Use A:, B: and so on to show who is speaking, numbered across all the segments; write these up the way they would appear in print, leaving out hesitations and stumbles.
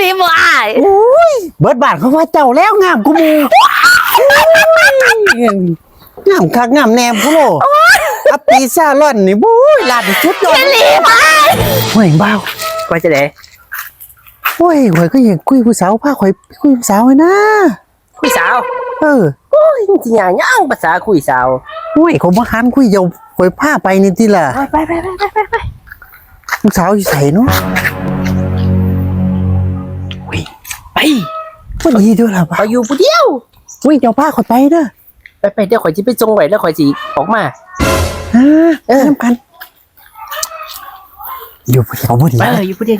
A: ลีบ่อาย
B: โอ้ยเบิดบาทเขาว่าเจ้าแล้วงามกูมูงามคักงามแนมกูโลอัปปีซ่าร่อนนี่บู๊ยลาดชุดยอด
A: ลีบ่อาย
B: ห่วยบ้า
A: ว่าจะได้
B: โอ้ยห่วยก็ยังคุยผู้สาวพาข่อยคุยผู้สาวเลยนะ
A: คุยสาว
B: โอ้
A: ยจริงๆย่างภาษาคุยสาว
B: ห่วยเขาบ่หันคุยเยาข่อยพาไปนี่ติล่ะ
A: ไป
B: ผู้สาวอยู่ไสเนาะ
A: ไป
B: บ่ดีด้วยล่ะ
A: เขาอยู่ผู้เดียว
B: อุ้ยเจ้าพาข่อยไปเด้อ
A: ไปเดี๋ยวข่อยสิไปส่งไว้แล้วข่อยสิออกมา
B: น้ำกันอยู่ผู้เดียวบ่ดี
A: อยู่ผู้เดียว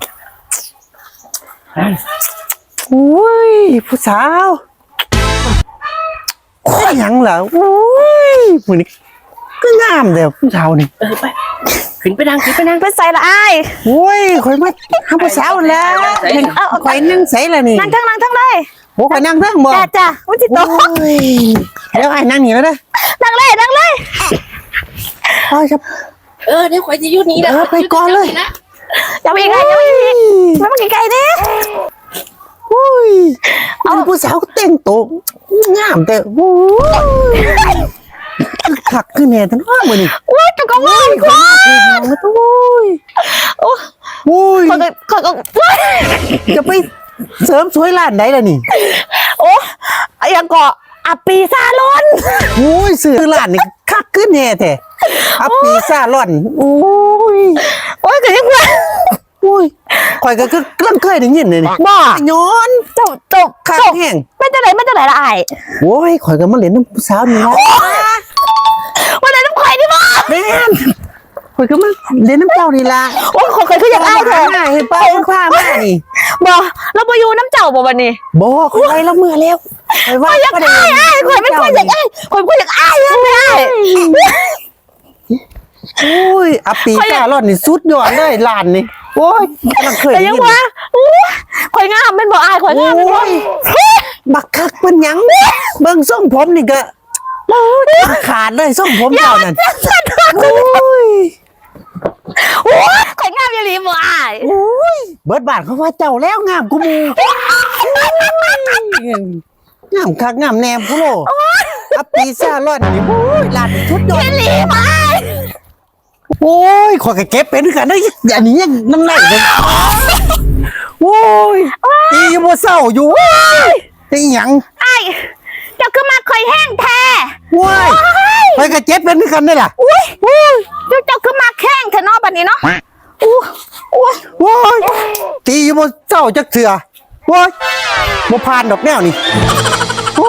B: โอ้ยผู้สาวโอ้ยยังเหรอโอ้ยผู้นี้ก็งามเด้อผู้สาวนี่
A: ไปขึ้นไปนั่ง
C: ไปใส่ละอ้าย
B: โอ้ยข่อยมาหาผู้สาวแล้วข่อยนั่งใส่ละนี่
C: นั่งทั้งเลย
B: โอ้ข่อยนั่งทั้งบ่
C: จ้ะอุ้ยจิตโต
B: แล้วไอ้นั่งนี่แล้วเด้อ
C: นั่งเลย
B: โอ้ยครับ
A: เดี๋ยวข่อยจะอยู่นี่นะ
B: ไปก่อนเลย
C: อย่าไปไกลไม่มาไกลๆเนี่ย
B: โอ้ยเอาผู้สาวเต้นโตงามแต่โอ้ยขักขึ้นแน่ทั้งว่ามือนี่
C: โอ้ยตะกวางควาย
B: โอ้ยโอ้ยจะไปเสริมสวยร้านไหนล่ะนี่
C: โอ้ยังเกาะอัปปีซาลอน
B: โอ้ยซื้อร้านนี่คักขึ้นแน่แท้อัปปีซาลอนโอ้ย
C: ก็ยังไง
B: โอ้ยข่อยก็กำลังเคยได้ยินเลยนี่
C: บ้า
B: ย้อน
C: จบ
B: คักแห้ง
C: ไม่จะไหนละไอ้
B: โอ้ยข่อยก็มาเล่นน้ำผู้สาวนี่นะ
C: วันไหนน้ำข่อยดิบ้า
B: แม่นข่อยก็มาเล่นน้ำเจ้านี่ละ
C: โอ้ยข่อยคืออยากไอ้เถอะ
B: เห็นป้าผ้าแม่นี่
C: บ่เราไปอยู่น้ำเจ้าบ่วันนี้
B: บ่ข่อยแล้วเมื่อแล้วข่อยว่า
C: อยากไอ้ข่อยไม่ค่อยอยากไอ้ข่อยอยากไอ้ไม่ได้
B: โอ้ยอัปปีกาลอนนี่สุดยอดเลยร้านนี่โอ้ยมันเคย
C: แต่ยังว่าข่อยงามเป็นบ่อายข่อยงามเป็นบ่
B: บักคักเป็นยังเบิ่งส่งผมนี่ก็ขาดเลยส่งผมเจ้านั่นโ
C: อ้ยข่อยงามอย่าลีบ่อาย
B: โอ้ยเบิดบาทเขาว่าเจ้าแล้วงามกูมูงามคักงามแนมกูโลอัปปีซ่าลอนนี่โอ้ยร้านชุดยอด
C: อย่าลีบ่อาย
B: โอ้ยขอเก็บเป็นกันได้อันนี้ยังน้ำไหลเลยโอ้ยตีบ่เศร้าอยู่ตีหยัง
C: ไอ้เจ้าคือมาคอยแห้งแท้
B: ว้ายไปกับเจ็บเป็นกันได้ล่ะ
C: เจ้าคือมาแข้งเถอะเนาะบัดนี้เนาะ
B: ว้ายตีบ่เศร้าจักเถื่อว้ายบ่ผ่านดอกแนวนี่โอ้